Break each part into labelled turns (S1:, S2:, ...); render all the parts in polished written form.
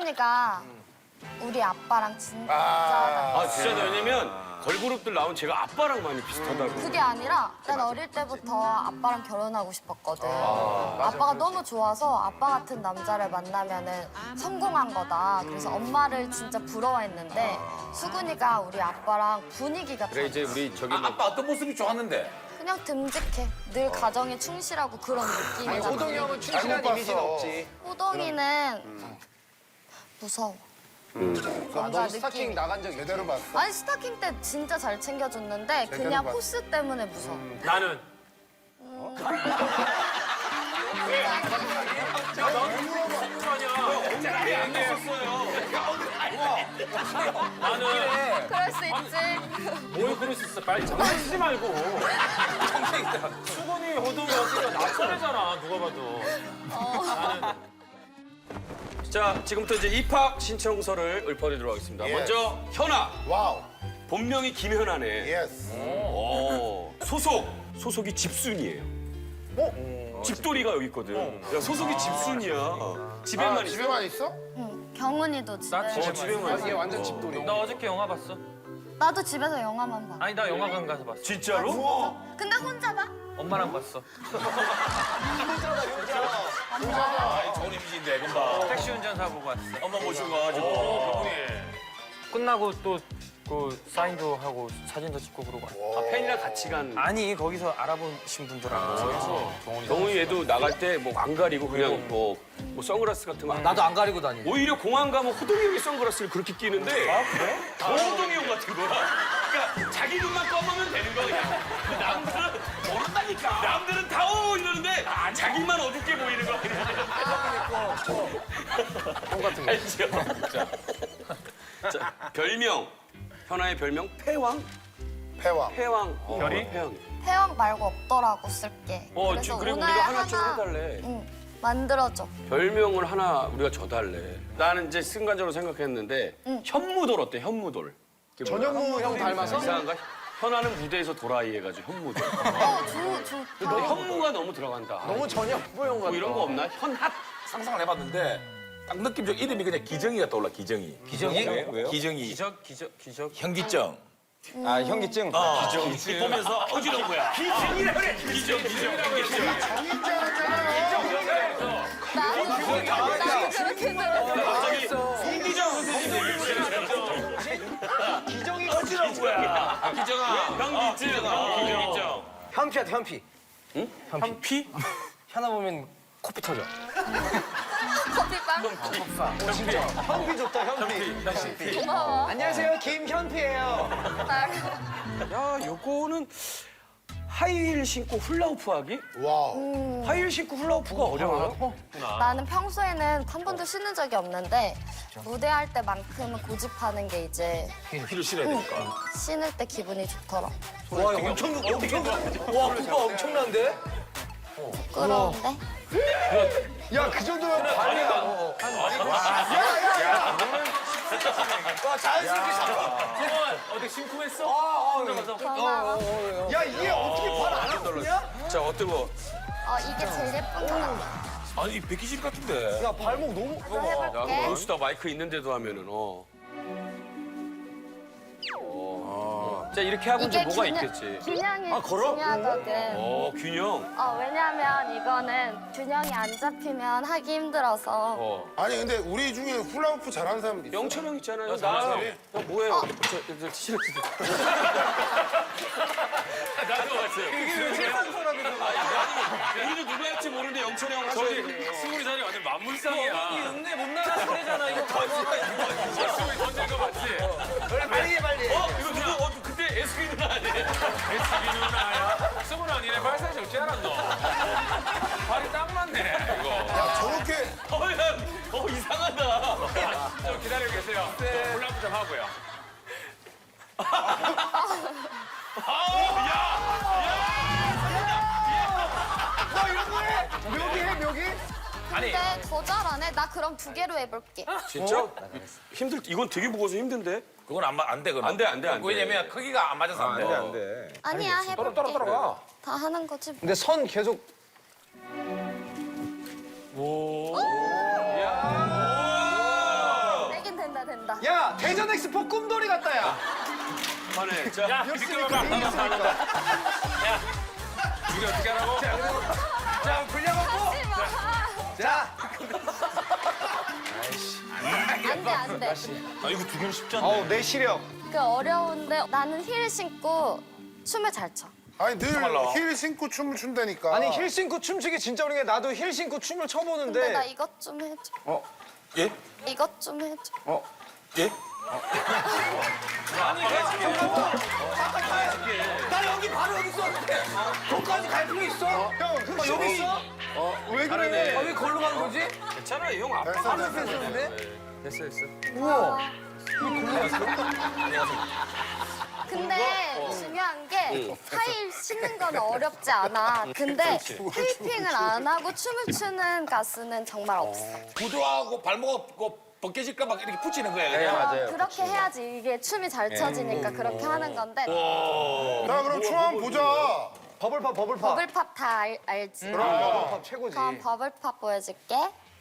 S1: 수근이가 우리 아빠랑 진짜
S2: 아 진짜 왜냐면 걸그룹들 나온 제가 아빠랑 많이 비슷하다고.
S1: 그게 아니라 난 어릴 때부터 아빠랑 결혼하고 싶었거든. 아빠가 너무 좋아서 아빠 같은 남자를 만나면은 성공한 거다. 그래서 엄마를 진짜 부러워했는데 수근이가 우리 아빠랑 분위기가
S2: 그래 이제 우리 저기 뭐
S3: 아빠 어떤 모습이 좋았는데?
S1: 그냥 듬직해. 늘 가정에 충실하고 그런 느낌이잖아.
S4: 호동이 형은 충실한 이미지는 없지.
S1: 호동이는 무서워. 뭔가
S4: 너 스타킹
S1: 느낌이.
S4: 나간 적 제대로 봤어?
S1: 아니 스타킹 때 진짜 잘 챙겨줬는데 그냥
S4: 봤어.
S1: 포스 때문에 무서워.
S2: 나는 나는
S1: 그럴 수 있지.
S2: 뭘 그럴 수 있어. 빨리 장난치지 말고. 수건이 호동이 어디가 낯설잖아 누가 봐도. 나는 자 지금부터 이제 입학 신청서를 읊어드리도록 하겠습니다.
S4: Yes.
S2: 먼저 현아.
S4: 와우.
S2: 본명이 김현아네.
S4: 예스.
S2: 소속이 집순이에요. 집돌이가 여기 있거든. 야, 소속이 집순이야. 집에만 있어.
S4: 집에만 있어?
S1: 응. 경은이도 집에.
S2: 나 집에만 있어.
S4: 얘 완전 집돌이.
S5: 나 어저께 영화 봤어.
S1: 나도 집에서 영화만 봐.
S5: 아니 나 영화관 가서 봤어.
S2: 진짜로?
S1: 근데 혼자 봐?
S5: 엄마랑 봤어.
S3: 좋은 이미지인데 금방.
S5: 택시 운전사 보고 왔어.
S3: 엄마 모시고 가지고.
S5: 끝나고 또 그 사인도 하고 사진도 찍고 그러고 왔어.
S2: 아, 팬이랑 같이 간.
S5: 아니 거기서 알아보신 분들하고.
S2: 경훈이 얘도 나갈 때 뭐 안 가리고 그냥 뭐 선글라스 같은 거.
S5: 나도 안 가리고 다니고.
S2: 오히려 공항 가면 호동이 형이 선글라스를 그렇게 끼는데. 아 그래? 호동이 형 같은 거야. 그러니까 자기 눈만 검으면 되는 거야. 그냥. 남들은 모른다니까. 남들은 다 오 이러는데 자기만 어둡게 보이는 거야. 형 같은 거. 알죠? 자, 별명. 현아의 별명 패왕?
S4: 패왕.
S2: 패왕.
S5: 별이?
S2: 패왕.
S1: 태영 말고 없더라고 쓸게. 그래서
S2: 그리고
S1: 오늘
S2: 우리가 하나 좀 해달래.
S1: 응. 만들어줘.
S2: 별명을 하나 우리가 줘달래. 나는 이제 순간적으로 생각했는데 현무돌 어때? 현무돌.
S4: 전현무 형 닮아서?
S2: 이상한가? 현아는 무대에서 도라이 해가지고 현무돌.
S1: 좋다.
S2: 근데 현무가 너무 들어간다.
S4: 너무 전현무 형
S2: 뭐
S4: 같아.
S2: 이런 거 없나? 현핫?
S3: 상상을 해봤는데 딱 느낌적 이름이 그냥 기정이가 떠올라 기정이.
S5: 기정이?
S3: 왜요? 기정이.
S5: 기적.
S3: 현기증.
S4: 아 현기증?
S3: 기정. 보면서 어지러운 거야.
S2: 기증이라 그래. 기증.
S1: 나도 그렇게 들어.
S2: 갑자기 송기정 선생님
S4: 기정이
S3: 어지러운 거야. 기정아.
S2: 현기증. 기증.
S5: 현피야 현피. 응? 현피? 현아 보면 코피 터져.
S1: 커피빵.
S4: 현피 좋다 현피.
S1: 고마워.
S4: 안녕하세요 김현피예요.
S2: 야, 요거는 하이힐 신고 훌라후프 하기?
S4: 와우.
S2: 하이힐 신고 훌라후프가 어려워요?
S1: 나는 평소에는 한 번도 쉬는 적이 없는데 무대할 때만큼은 고집하는 게 이제
S3: 힐을 신어야 되니까.
S1: 쉬는 때 기분이 좋더라.
S4: 와 엄청 와 그거 엄청난데?
S1: 부끄러운데?
S4: 야 그 정도면 발이야. 야야야. 와 자연스럽게 잡아.
S5: 어디 심쿵했어?
S1: 고마워.
S4: 야 이게 어떻게 발 안 아프냐?
S2: 자, 어떤 거?
S1: 이게 제일 예쁜 것 같아.
S3: 아니 백기실 같은데.
S4: 야 발목 너무.
S1: 또 해볼게.
S2: 몬스터 마이크 있는데도 하면은, 자, 이렇게 하고 이제 뭐가 있겠지?
S1: 균형이 중요하거든.
S2: 균형.
S1: 왜냐면 이거는 균형이 안 잡히면 하기 힘들어서.
S4: 아니 근데 우리 중에 훌라후프 잘하는 사람 있어?
S2: 영철 형 있잖아요. 나
S3: 잘하지.
S2: 뭐예요? 저 싫어. 나도 봤어요. 우리도 누가 할지 모르는데 영철 형 하셔야 돼.
S5: 스물이 살이 완전 만물상이야. 이 읍내 못 나가는 소리잖아. 이거 스물이 던진 거 맞지?
S4: 빨리 해 빨리.
S2: 이거 누구? 그때 SB 누나 아니에요?
S5: SB 누나야? 스물 아니네. 발사지 어찌 알았노? 발이 딱 맞네. 이거.
S4: 야 저렇게.
S2: 야, 이상하다.
S5: 좀 기다리고 계세요. 콜라프 좀 하고요.
S4: 너 이런 거 해? 묘기 해 묘기?
S5: 아니.
S1: 근데 더 잘하네. 나 그럼 2개로 해볼게.
S2: 진짜? 이건 되게 무거워서 힘든데?
S3: 그건 안 돼. 그건.
S2: 안 돼, 안 돼, 안 돼.
S3: 왜냐면 크기가 안 맞아서 안 돼.
S4: 안 돼.
S1: 아니야, 해볼게.
S3: 따라가.
S1: 다 하는 거지. 뭐.
S4: 근데 선 계속. 야, 대전 엑스포 꿈돌이 같다, 야.
S2: 그만해. 자,
S5: 야, 비켜봐봐. 야, 우리 어떻게 하라고?
S4: 자, 불려먹고. 자.
S1: 안 돼.
S5: 아, 이거 두 개는 쉽지 않네.
S4: 내 시력.
S1: 그 어려운데 나는 힐 신고 춤을 잘 춰.
S6: 아니 늘 힐 신고 춤을 춘다니까.
S4: 아니, 힐 신고 춤추기 진짜 어려운 게 나도 힐 신고 춤을
S1: 근데 나
S4: 춰보는데.
S1: 이것 좀 해줘.
S3: 예?
S1: 이것 좀 해줘.
S3: 예?
S4: 나 여기 바로 여기 있었는데. 거기까지 갈 필요 있어? 형, 여기 있어?
S3: 왜 그래?
S4: 왜 걸로 가는 거지?
S2: 괜찮아, 형 아빠.
S6: 됐어, 됐어.
S4: 했었는데?
S2: 됐어.
S4: 우와.
S1: 근데 중요한 게 타일 신는 건 어렵지 않아. 근데 테이핑을 안 하고 춤을 추는 가수는 정말 없어.
S3: 구두하고 발목 벗겨질까 막 이렇게 붙이는 거야. 그냥.
S1: 그렇게 해야지 이게 춤이 잘 춰지니까 그렇게 하는 건데
S6: 자 그럼 춤 한번 보자.
S4: 버블팝.
S1: 버블팝 다 알지?
S4: 버블팝 최고지.
S1: 그럼 버블팝 보여줄게.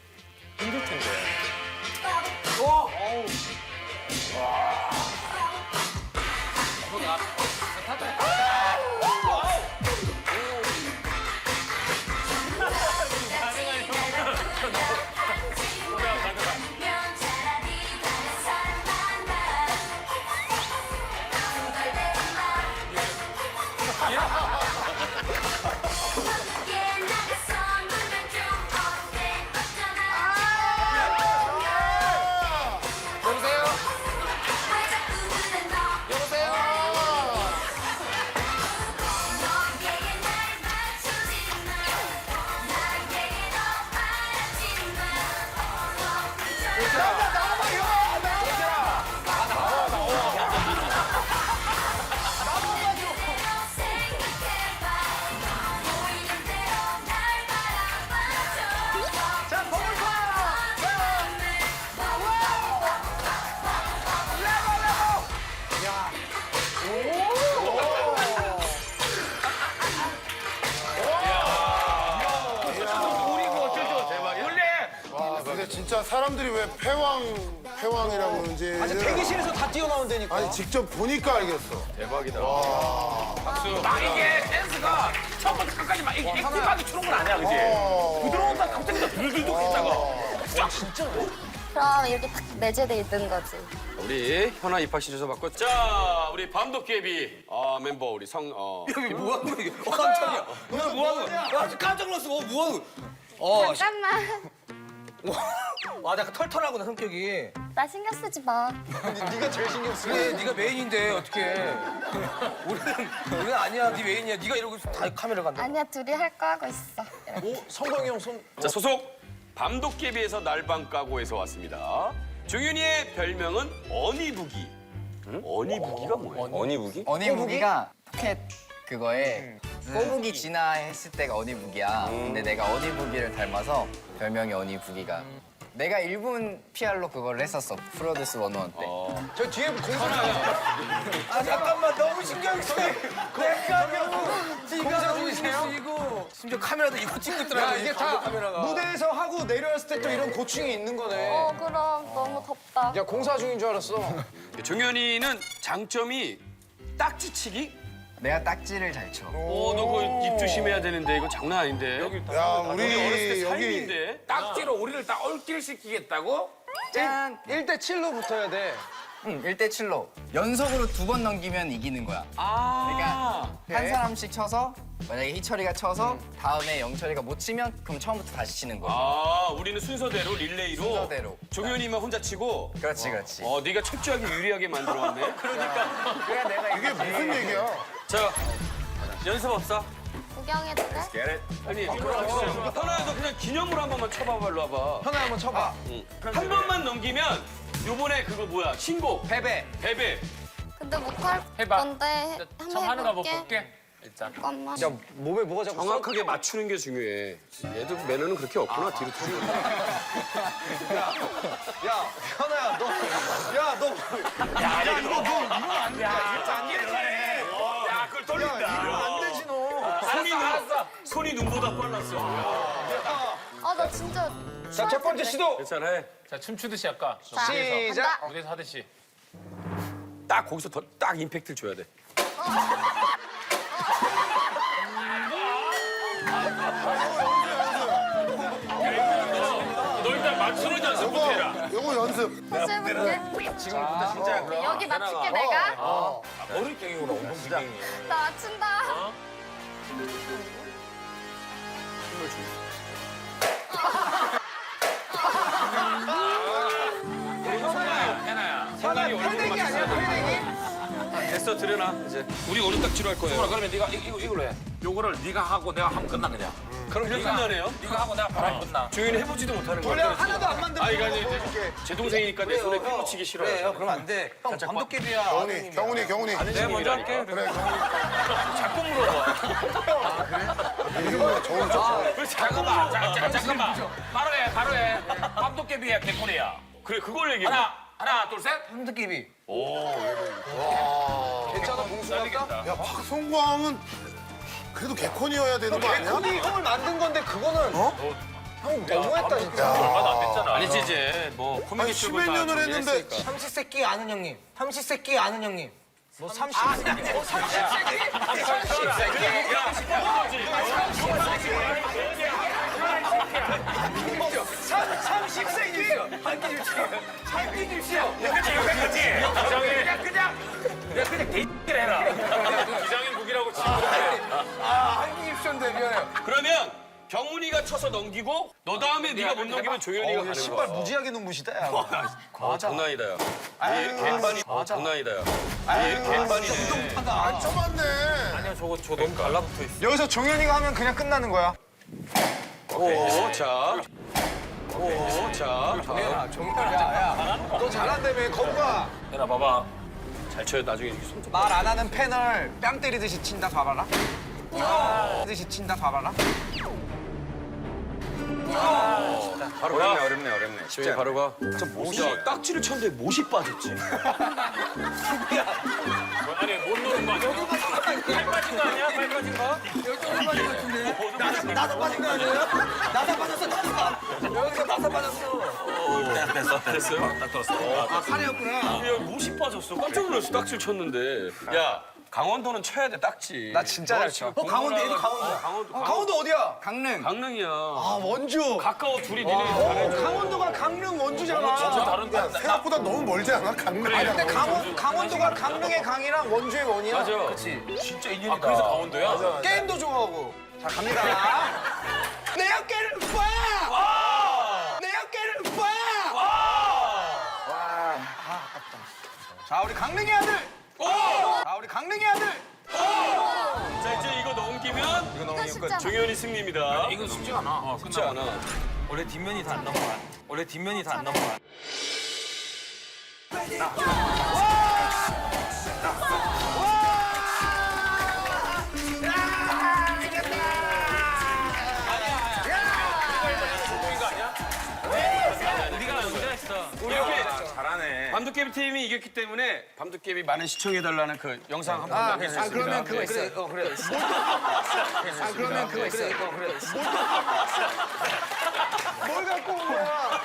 S6: 와 근데 진짜 사람들이 왜 패왕이라고 그러는지.
S4: 아직 대기실에서 다 뛰어나온다니까.
S6: 아니 직접 보니까 알겠어.
S2: 막 이게 댄스가 처음부터 끝까지 막 이렇게 액티브하게 추는 건 아니야, 그지? 부드러운다 갑자기 또 들들들 했다가.
S1: 그럼 이렇게 딱 내재돼 있는 거지.
S2: 우리 현아 입학시켜서 받고 자 우리 밤도깨비 멤버 우리
S4: 여기 뭐 하는 거야, 이게? 깜짝이야. 너 뭐 하는 거야? 나 깜짝 놀랐어. 뭐 하는 거야?
S1: 잠깐만.
S4: 와, 약간 털털하구나, 성격이.
S1: 나 신경 쓰지 마.
S4: 네가 제일 신경 쓰. 그래, 네가 메인인데 어떻게? 우리는 아니야, 네 메인이야. 네가 이러고 있으면 다 카메라 간다.
S1: 아니야 둘이 할 거 하고 있어.
S4: 오, 성광이 형 손.
S2: 자 소속 밤도깨비에서 날방 까고에서 왔습니다. 종윤이의 별명은 어니부기. 어니부기가 뭐예요?
S3: 어니부기?
S7: 어니부기가 포켓 그거에 꼬부기 진화 했을 때가 어니부기야. 근데 내가 어니부기를 닮아서 별명이 어니부기가. 내가 일본 PR로 그걸 했었어. 프로듀스 101 때.
S4: 저 뒤에 공사. 아, 잠깐만, 너무 신경 쓰여. 내가 공사 중이세요? 심지어 카메라도 이거 찍고 있더라고. 야, 이게 다 무대에서 하고 내려왔을 때 또 이런 고충이 있는 거네.
S1: 그럼 너무 덥다.
S4: 야, 공사 중인 줄 알았어.
S2: 종윤이는 장점이 딱지치기?
S7: 내가 딱지를 잘 쳐.
S2: 너 그거 입 조심해야 되는데 이거 장난 아닌데.
S6: 야
S2: 어렸을 때
S6: 우리 여기
S2: 삶인데.
S3: 딱지로 우리를 딱 얼길시키겠다고?
S7: 짠!
S4: 1대7로 붙어야 돼.
S7: 응, 1대7로. 연속으로 2번 넘기면 이기는 거야.
S2: 아.
S7: 한 사람씩 쳐서 만약에 희철이가 쳐서 다음에 영철이가 못 치면 그럼 처음부터 다시 치는 거야.
S2: 우리는 순서대로 릴레이로.
S7: 순서대로.
S2: 종윤이만 혼자 치고.
S7: 그렇지, 그렇지.
S2: 네가 철저하게 유리하게 만들어왔네.
S7: 그래 내가
S6: 이게 무슨 얘기야?
S2: 자, 연습 없어?
S1: 구경해도 돼?
S2: 아니, 현아도 그냥 기념으로 한 번만 쳐봐봐, 일로 와봐.
S4: 현아 한번 쳐봐.
S2: 한 번만 넘기면 요번에 그거 뭐야, 신곡.
S4: 베베.
S2: 베베.
S1: 근데 못할
S5: 해봐.
S1: 건데
S5: 처음
S1: 한번
S5: 하는 거 한번
S1: 해볼게.
S5: 볼게. 일단.
S1: 잠깐만.
S4: 야, 몸에 뭐가 자꾸
S2: 정확하게 맞추는 게 중요해. 얘도 매너는 그렇게 없구나, 뒤로 튀는 거.
S4: 야, 현아야, 너. 야, 너.
S2: 야, 이거 뭐, 이건 안 돼. 야, 그걸 돌린다.
S4: 안 되지, 너.
S2: 손이 눈보다 빨랐어.
S1: 나 진짜.
S4: 자, 첫 번째 시도.
S2: 괜찮아, 해.
S5: 자, 춤추듯이 할까?
S1: 자,
S4: 시작.
S1: 간다.
S5: 무대에서 하듯이.
S2: 딱 거기서 더 딱 임팩트를 줘야 돼.
S5: 너 일단 맞추는 연습 못해라.
S6: 요거 연습.
S1: 다시 해볼게.
S3: 지금부터 진짜
S1: 여기 맞출게 내가.
S3: 어릴경이구나, 운동기경이.
S1: 나 맞춘다.
S5: 생각이 얼굴만
S2: 됐어, 들여놔 이제. 우리 오른딱지로 할 거예요.
S3: 그러면 네가 이걸로 해. 요거를 네가 하고 내가 하면 끝나 그냥.
S2: 그럼 그냥 끝나네요.
S3: 네가 하고 내가 바로 하면 끝나.
S2: 조연이 해보지도 못하는 거
S4: 원래
S2: 같아.
S4: 하나도 안 만들고
S2: 아, 이거 이제 제 동생이니까 내 손에 피부 치기 싫어요.
S4: 그럼 안 돼. 형 밤도깨비야.
S6: 경훈이.
S2: 내가 먼저 할게.
S6: 그래, 경훈이.
S2: 자꾸 물어봐.
S6: 이름은 저울 줘.
S2: 왜 자꾸 물어봐.
S3: 잠깐만. 바로 해. 밤도깨비야, 개코리야.
S2: 그래, 그걸 얘기해.
S3: 하나, 둘, 셋.
S4: 밤도깨비.
S3: 괜찮아, 봉수하겠다.
S6: 야, 박성광은 그래도 개콘이어야 되는 거 아니야?
S4: 개콘이 형을 만든 건데 그거는 형 너무했다 진짜.
S5: 얼마도 안 됐잖아.
S2: 아니지 이제 뭐
S6: 아니,
S2: 코미디 쪽을
S6: 10몇
S2: 다
S6: 년을 했는데
S2: 정리했으니까.
S4: 삼시세끼 아는 형님. 삼시세끼 아는 형님. 뭐 삼시세끼? 삼십세끼. 한끼 줍시오.
S3: 그냥 개X를 해라.
S5: 기장인 국이라고 치고.
S4: 한끼 줍쇼인데 미안해요.
S2: 그러면 경훈이가 쳐서 넘기고 너 다음에 네가 못 넘기면 조현이가 가는
S4: 신발
S2: 거야.
S4: 무지하게 눈부시다 야.
S2: 장난이다 야. 얘 개판이. 장난이다 야. 얘 개판이네.
S6: 안 쳐봤네.
S5: 저 너무 달라붙어 있어.
S4: 여기서 종현이가 하면 그냥 끝나는 거야.
S2: 오, 자. 오, 자.
S4: 너 잘한다며 거부가.
S2: 해나 봐봐. 잘 쳐요. 나중에 이렇게 손 좀.
S4: 말 안 하는 펜을 뺨 때리듯이 친다 봐봐라. 때리듯이 친다 봐봐라.
S2: 바로 가. 어렵네. 쉽지 바로 가. 저 못이. 야, 딱지를 쳤는데 못이 빠졌지.
S5: 아니 못 노는 거 아니야? 발 빠진 거 아니야? 발 빠진 거?
S4: 나사 빠진 거 아니에요? 나사 빠졌어 나사. 여기서 나사 빠졌어.
S2: 됐어요? 딱 들었어.
S4: 아 팔이었구나.
S2: 야, 못이 빠졌어. 깜짝 놀랐어. 딱지를 쳤는데. 야, 강원도는 쳐야 돼, 딱지.
S4: 나 진짜 잘 쳐. 강원도 얘도 강원도야. 강원도 어디야?
S7: 강릉.
S2: 강릉이야.
S4: 아 원주.
S2: 가까워 둘이 니네 잘해줘.
S4: 강원도가 강릉 원주잖아.
S6: 야, 생각보다 너무 멀지 않아? 강릉.
S4: 근데 강원도가 강릉의 강이랑 원주의 원이야.
S2: 맞아.
S4: 그렇지.
S3: 진짜 인연이다.
S5: 아 그래서 강원도야?
S4: 게임도 좋아하고. 자 갑니다. 내 어깨를 봐. 내 어깨를 봐. 아깝다. 자 우리 강릉의 아들. 자 우리 강릉의 아들.
S2: 자, 이제 이거 넘기면
S1: 이거 쉽지 않아.
S2: 종현이 승리입니다.
S3: 이건 쉽지 않아.
S2: 쉽지 않아.
S5: 원래 뒷면이 다 안 넘어가. 원래 뒷면이 다 안 넘어가. 우리가 먼저 했어.
S2: 우리 이렇게
S3: 잘하네.
S2: 밤도깨비 팀이 이겼기 때문에 밤도깨비 많은 시청해달라는 그 영상 한번 남길 수 있습니다.
S4: 그러면 그거 있어. 그래. 그러면 그거 있어. 그래. 뭘 갖고 온 거야?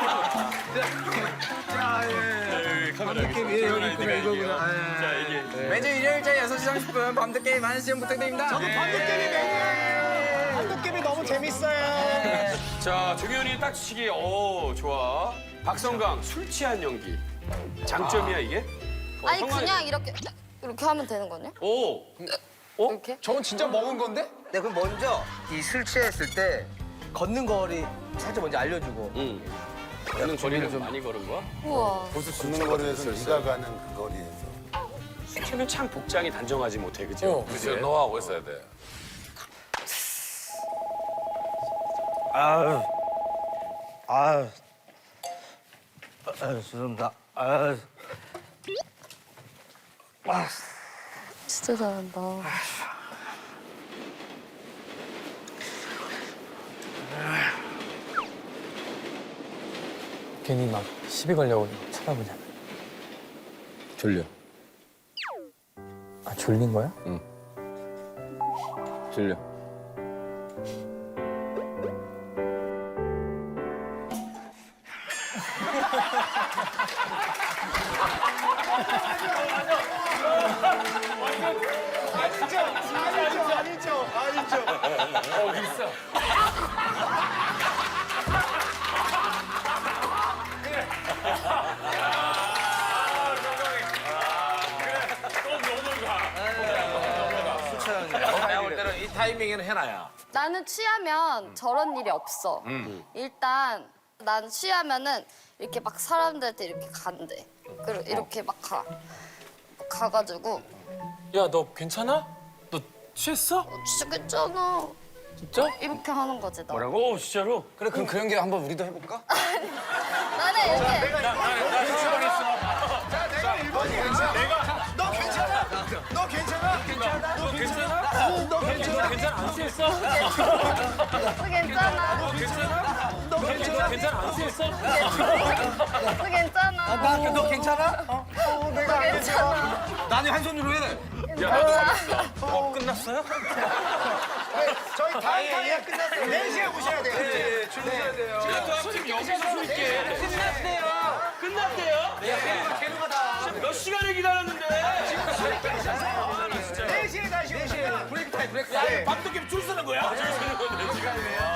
S2: 카메라 여기 있구나, 이거구나. 자, 이게.
S7: 매주 일요일 저녁 6시 30분 밤도깨비 많은 시청 부탁드립니다.
S4: 저도 밤도깨비 매니아예요. 밤도깨비 너무 재밌어요.
S2: 자, 종현이 딱지치기. 오, 좋아. 박성강, 술 취한 연기. 장점이야, 이게?
S1: 아니
S2: 성광이-
S1: 그냥 이렇게 하면 되는 거냐?
S2: 오!
S1: 이렇게?
S4: 저건 진짜 먹은 건데?
S7: 네, 그럼 먼저 이 술 취했을 때 걷는 거리 살짝 먼저 알려주고.
S2: 응. 걷는 거리를 좀 많이 걸은 거야?
S1: 우와.
S6: 걷는 거리에서 네가 가는 그 거리에서.
S2: 술 취하면 참 복장이 단정하지 못해, 그죠?
S3: 그치, 너하고 있어야 돼.
S7: 죄송합니다.
S1: 진짜 잘한다.
S8: 괜히 막 시비 걸려고 쳐다보잖아.
S2: 졸려.
S8: 아 졸린 거야?
S2: 졸려.
S3: 타이밍에는 해놔야.
S1: 나는 취하면 저런 일이 없어. 일단 난 취하면은 이렇게 막 사람들한테 이렇게 간대. 그리고 이렇게 막 가가지고
S5: 야, 너 괜찮아? 너 취했어?
S1: 죽겠잖아.
S5: 진짜?
S1: 이렇게 하는 거지 나.
S5: 오, 진짜로?
S4: 그래 그럼 그 연기 한번 우리도 해볼까?
S1: 나는 이렇게
S5: 괜찮아? 안 취했어?
S1: 괜찮아.
S5: 괜찮아? 안 취했어?
S1: 괜찮아.
S4: 너 괜찮아?
S1: 너 괜찮아.
S4: 나는 한 손으로 해.
S5: 끝났어요?
S4: 저희 다음 강의가 끝났어요. 4시에 오셔야 돼요.
S2: 지금 여기서 수 있게. 끝났대요? 몇 시간을 기다렸는데.
S4: 4시에 다시 오셔야 돼요. 브레이크 타임, 브레이크 타임.
S3: 밤늦게 줄 서는 거야?
S2: 줄 서는 건데, 지금.